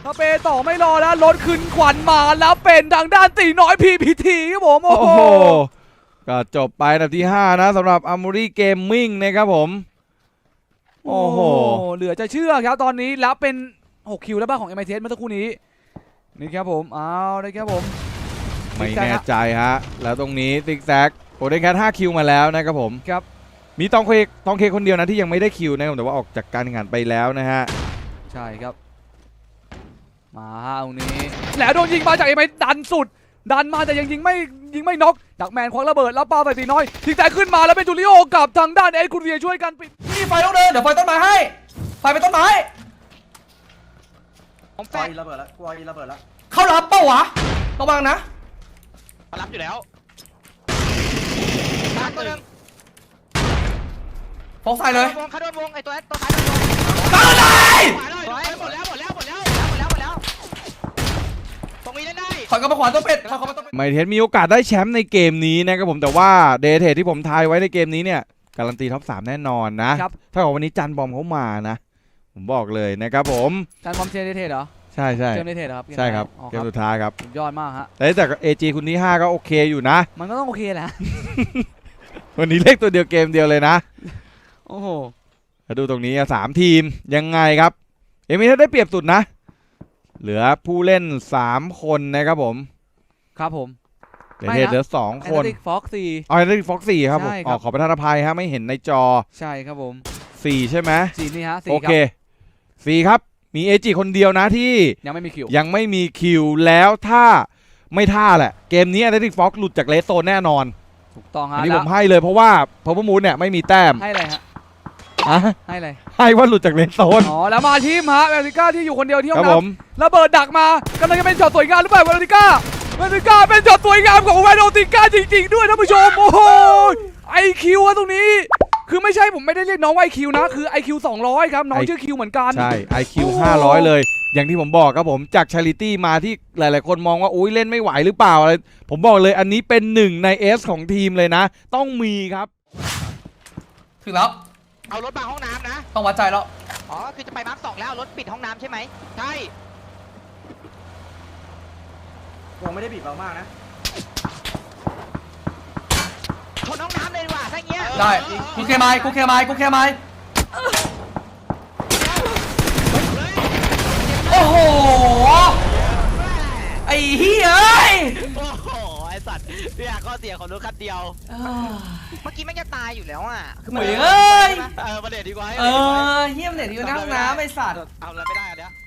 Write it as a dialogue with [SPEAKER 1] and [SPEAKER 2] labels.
[SPEAKER 1] สเปย์ต่อไม่รอแล้วรถขึ้นขวัญมาแล้วเป็นทางด้านตีน้อย PPT ครับผมโอ้โห
[SPEAKER 2] ก็จบไปอันดับที่5นะสำหรับ Armory Gaming นะครับผมโอ้โห
[SPEAKER 1] เหลือจะเชื่อครับตอนนี้แล้วเป็น6คิวแล้วบ้างของ MITS เมื่อสักครู่นี้นี่ครับผมเอาเลยครับผม
[SPEAKER 2] ไม่แน่ใจฮะแล้วตรงนี้ซิกแซกโอเดนแคท5คิวมาแล้วนะครับผม
[SPEAKER 1] ครับ
[SPEAKER 2] มีตองเคคนเดียวนะที่ยังไม่ได้คิวนะครับแต่ว่าออกจากการแข่งขันไปแล้วนะฮะ
[SPEAKER 1] ใช่ครับมาตรงนี้แล้วโดนยิงมาจากMITSดันสุดดันมาแต่ยังยิงไม่น็อกดักแมนควักระเบิดแล้วปาใส่ตีน้อยซิกแซกขึ้นมาแล้วเป็นจูริโอกับทางด้านเอ็ดคุณเวียช่วยกันปิด
[SPEAKER 3] นี่ไฟต้องเดินเดี๋ยวไฟต้นไม้ให้ไฟไปต้นไม้
[SPEAKER 4] ผมแฟนระเบิดแล้วกลัวระเบิดแล้ว
[SPEAKER 3] เขารับเป้าวะระวังนะ
[SPEAKER 4] รับอยู่แล้วตามตัวนึง
[SPEAKER 3] ฟอกใส่เลย
[SPEAKER 4] เขาโดนวงไอตัวท้าย
[SPEAKER 3] ตายเลย
[SPEAKER 4] หมดแล้วตรงนี้ได้
[SPEAKER 3] ถอยกลับมาขวาตัวเป็ดถอยกลับมาตัวเป็ด
[SPEAKER 2] ไมเทสมีโอกาสได้แชมป์ในเกมนี้นะครับผมแต่ว่าเดทเทที่ผมทายไว้ในเกมนี้เนี่ยการันตีท็อป3แน่นอนนะถ้าเกิดวันนี้จันบอมเขามานะผมบอกเลยนะครับผม
[SPEAKER 1] จันบอมเชนเดทเหรอ
[SPEAKER 2] ใช่
[SPEAKER 1] เกมเดทครับ
[SPEAKER 2] ใช่ครับเกมสุดท้ายครับ
[SPEAKER 1] ยอดมากฮะ
[SPEAKER 2] แต่AG คุณที่5ก็โอเคอยู่นะ
[SPEAKER 1] มันก็ต้องโอเคแหละ
[SPEAKER 2] วันนี้เลขตัวเดียวเกมเดียวเลยนะ
[SPEAKER 1] โอ้โห
[SPEAKER 2] ดูตรงนี้3ทีมยังไงครับมีถ้าได้เปรียบสุดนะเหลือผู้เล่น3คนนะครับผม
[SPEAKER 1] ครับผม
[SPEAKER 2] เดทเหลือ2คน
[SPEAKER 1] ฟ็อกซี่
[SPEAKER 2] เดทฟ็อกซี่ครับผมขอประทานอภัยฮะไม่เห็นในจอ
[SPEAKER 1] ใช่ครับผม
[SPEAKER 2] 4ใช่ไหม
[SPEAKER 1] 4นี่ฮะ4
[SPEAKER 2] โอเค4ครับมีAGคนเดียวนะที่
[SPEAKER 1] ยังไม่มี
[SPEAKER 2] คิวแล้วถ้าไม่ท่าแหละเกมนี้เดทฟ็อกหลุดจากเลสโซนแน่นอน
[SPEAKER 1] ถูกต้องฮะ
[SPEAKER 2] อันนี้ผมให้เลยเพราะว่าพาวเวอร์มูนเนี่ยไม่มีแต้ม
[SPEAKER 1] ให้อะไรฮะให้อะไร
[SPEAKER 2] ให้ว่าหลุดจากเลนโซน
[SPEAKER 1] อ๋อแล้วมาทีมฮะเวลติก้าที่อยู่คนเดียวที่ห้องน้ำระเบิดดักมากำลังจะเป็นช็อตสวยงามหรือเปล่าเวลติก้าเป็นช็อตสวยงามของเวลติก้าจริงๆด้วยท่านผู้ชมโอ้โหIQ ตรงนี้คือไม่ใช่ผมไม่ได้เรียกน้องว่าIQนะคือ IQ 200ครับน้องชื่อคิวเหมือนกัน
[SPEAKER 2] ใช่ IQ 500เลยอย่างที่ผมบอกครับผมจากชาริตี้มาที่หลายๆคนมองว่าอุ้ยเล่นไม่ไหวหรือเปล่าอะไรผมบอกเลยอันนี้เป็น1ใน S ของทีมเลยนะต้องมีครับ
[SPEAKER 3] ถึงแล้ว
[SPEAKER 4] เอารถมาห้องน้ำนะ
[SPEAKER 3] ต้องวัดใจแล้ว
[SPEAKER 4] อ๋อคือจะไปมาร์ค2แล้วรถปิดห้องน้ำใช่ไหมใช่วงไม่ได้บีบเรามากนะชนห้องน้ำเลยดีกว่าถ้าเงี้ย
[SPEAKER 3] ได้กูเคมายโอ้โหไอ้เฮ้ย
[SPEAKER 4] โอ้โหไอ้สัตว์พี่อยากข้อเสียของรถคันเดียวเมื่อกี้ไม่จะตายอยู่แล้วอ่ะ
[SPEAKER 3] คือเหมือนเอ้ย
[SPEAKER 4] มาเด็ดดีกว่า
[SPEAKER 3] เฮี้ยมเด็ดดีกว่าห้องน้ำไอ้สัตว์
[SPEAKER 4] เอาอะไรไม่ได้อันเนี้ย